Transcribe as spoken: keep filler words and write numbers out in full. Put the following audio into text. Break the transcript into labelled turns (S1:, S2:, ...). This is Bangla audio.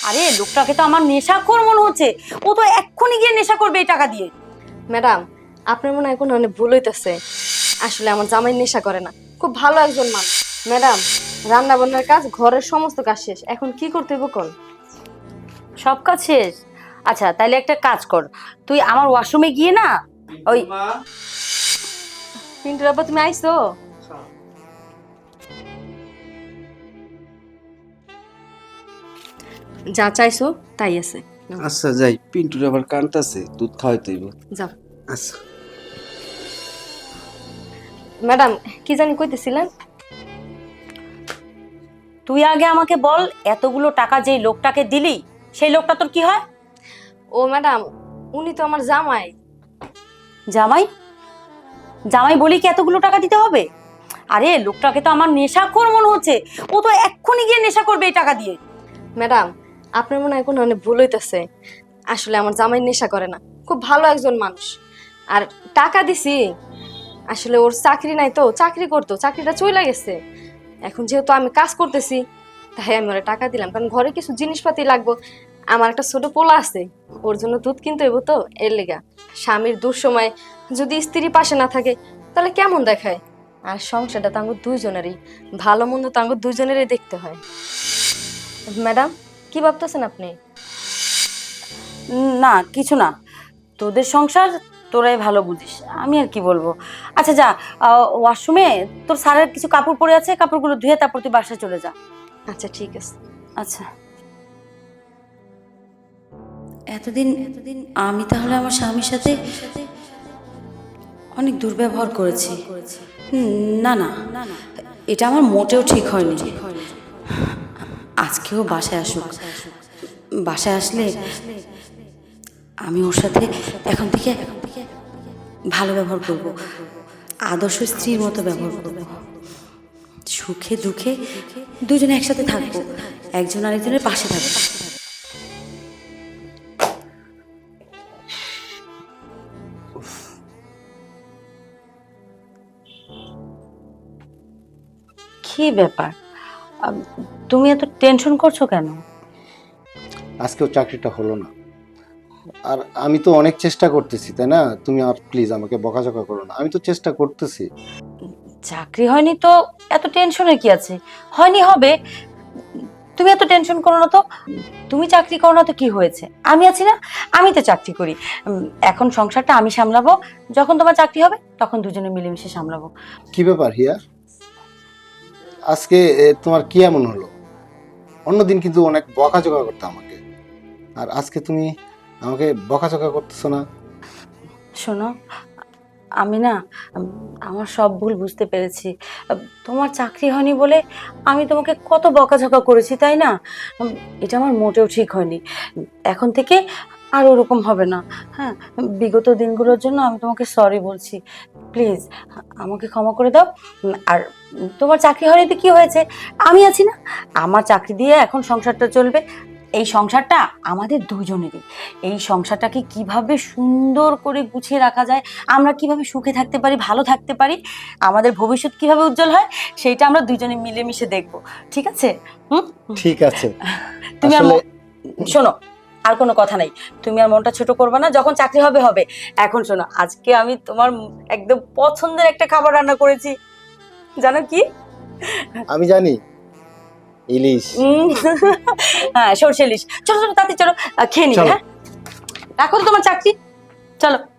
S1: আরে লোকটাকে তো আমার নেশাখোর মনে হচ্ছে, ও তো এক্ষুনি গিয়ে নেশা করবে এই টাকা দিয়ে।
S2: ম্যাডাম, আপনার মনে হয় কোনো অনেক ভুল হইতেছে। আসলে আমার জামাই নেশা করে না, খুব ভালো একজন মানুষ। ম্যাডাম, রান্না বান্নার কাজ, ঘরের সমস্ত কাজ শেষ, এখন কি করতে হইব কোন?
S1: সব কাজ শেষ? আচ্ছা তাহলে একটা কাজ কর, তুই আমার ওয়াশরুমে গিয়ে না ওই
S2: পিন্টুর আব্বা তুমি আইছো? যা চাইছো তাই আছে, নাও।
S3: আচ্ছা যাই, পিন্টুর আবার কানতাছে, দুধ খাওয়াইতে হইব।
S2: যাও।
S3: আচ্ছা
S2: ম্যাডাম, কি জানি কইতেছিলেন?
S1: তুই আগে আমাকে বল, এতগুলো টাকা যেই লোকটাকে দিলি সেই লোকটা তোর কি হয়?
S2: ও ম্যাডাম, উনি তো আমার জামাই।
S1: জামাই? জামাই বলি কি এতগুলো টাকা দিতে হবে? আরে লোকটাকে তো আমার নেশাখোর মনে হচ্ছে, ও তো এক্ষুনি গিয়ে নেশা করবে এই টাকা দিয়ে।
S2: ম্যাডাম, আপনার মনে হয় কোনো অনেক ভুল হইতেছে। আসলে আমার জামাই নেশা করে না, খুব ভালো একজন মানুষ। আর টাকা দিছি, আসলে ওর চাকরি নাই তো, চাকরি করতো, চাকরিটা চলে গেছে। এখন যেহেতু আমি কাজ করতেছি, তাই আমি ওরা টাকা দিলাম, কারণ ঘরে কিছু জিনিসপাতি লাগবে। আমার একটা ছোট পোলা আছে, ওর জন্য দুধ কিনতে হইব তো, এর লেগা। স্বামীর দুঃসময় যদি স্ত্রী পাশে না থাকে তাহলে কেমন দেখায়? আর সংসারটা তো আমার দুইজনেরই, ভালো মন্দ তো আমার দুইজনেরই দেখতে হয়। ম্যাডাম, কি ভাবতেছেন আপনি?
S1: না কিছু না, তোদের সংসার তোরাই ভালো বুঝিস, আমি আর কি বলবো। আচ্ছা যা, ওয়াশরুমে তোর স্যারের কিছু কাপড় পরে আছে, কাপড়গুলো ধুয়ে তারপর তুই বাসায় চলে যা।
S2: আচ্ছা ঠিক আছে।
S1: আচ্ছা। এতদিন এতদিন আমি তাহলে আমার স্বামীর সাথে অনেক দুর্ব্যবহার করেছি। না না, এটা আমার মোটেও ঠিক হয়নি। আজকেও বাসায় আসুক, বাসায় আসলে আমি ওর সাথে এখন থেকে ভালো ব্যবহার করব, আদর্শ স্ত্রীর মতো ব্যবহার করব। সুখে দুঃখে দুজনে একসাথে থাকবো, একজন আরেকজনের পাশে থাকবো। কি ব্যাপার, তুমি এত টেনশন করছো কেন?
S4: আজকেও চাকরিটা হলো না, আর আমি তো অনেক চেষ্টা করতেছি, তাই না? তুমি আর প্লিজ আমাকে বকাঝকা করো না, আমি তো চেষ্টা করতেছি।
S1: চাকরি হয়নি তো এত টেনশনের কি আছে, হয়নি হবে, তুমি এত টেনশন করো না তো। তুমি চাকরি করো না তো কি হয়েছে, আমি আছি না, আমি তো চাকরি করি। এখন সংসারটা আমি সামলাবো, যখন তোমার চাকরি হবে তখন দুজনে মিলেমিশে সামলাবো।
S4: কি ব্যাপার হিয়া, আজকে এ, তোমার কি এমন হলো? অন্যদিন কিন্তু অনেক বকাঝকা করতে আমাকে, আর আজকে তুমি আমাকে বকাঝকা করতেছো না?
S1: শোনো, আমি না আমার সব ভুল বুঝতে পেরেছি। তোমার চাকরি হয়নি বলে আমি তোমাকে কত বকাঝকা করেছি, তাই না? এটা আমার মোটেও ঠিক হয়নি। এখন থেকে আর ওরকম হবে না। হ্যাঁ, বিগত দিনগুলোর জন্য আমি তোমাকে সরি বলছি, প্লিজ আমাকে ক্ষমা করে দাও। আর তোমার চাকরি হয়নি তো কি হয়েছে, আমি আছি না, আমার চাকরি দিয়ে এখন সংসারটা চলবে। এই সংসারটা আমাদের দুজনেরই, এই সংসারটাকে কিভাবে সুন্দর করে গুছিয়ে রাখা যায়, আমরা কিভাবে সুখে থাকতে পারি, ভালো থাকতে পারি, আমাদের ভবিষ্যৎ কিভাবে উজ্জ্বল হয়, সেইটা আমরা দুজনে মিলেমিশে দেখবো, ঠিক আছে? হুম,
S4: ঠিক আছে।
S1: তুমি আর
S4: আসলে
S1: ম- শোনো, আর কোনো কথা নাই, তুমি আর মনটা ছোট করবে না, যখন চাকরি হবে হবে। এখন শোনো, আজকে আমি তোমার একদম পছন্দের একটা খাবার রান্না করেছি, জানো কি?
S4: আমি জানি, ইলিশ।
S1: উম, হ্যাঁ সরষে ইলিশ। চলো চলো তাড়াতাড়ি চলো, আহ, খেয়ে নিবে।
S4: চলো।
S1: হ্যাঁ, রাখো তো তোমার চাকরি, চলো।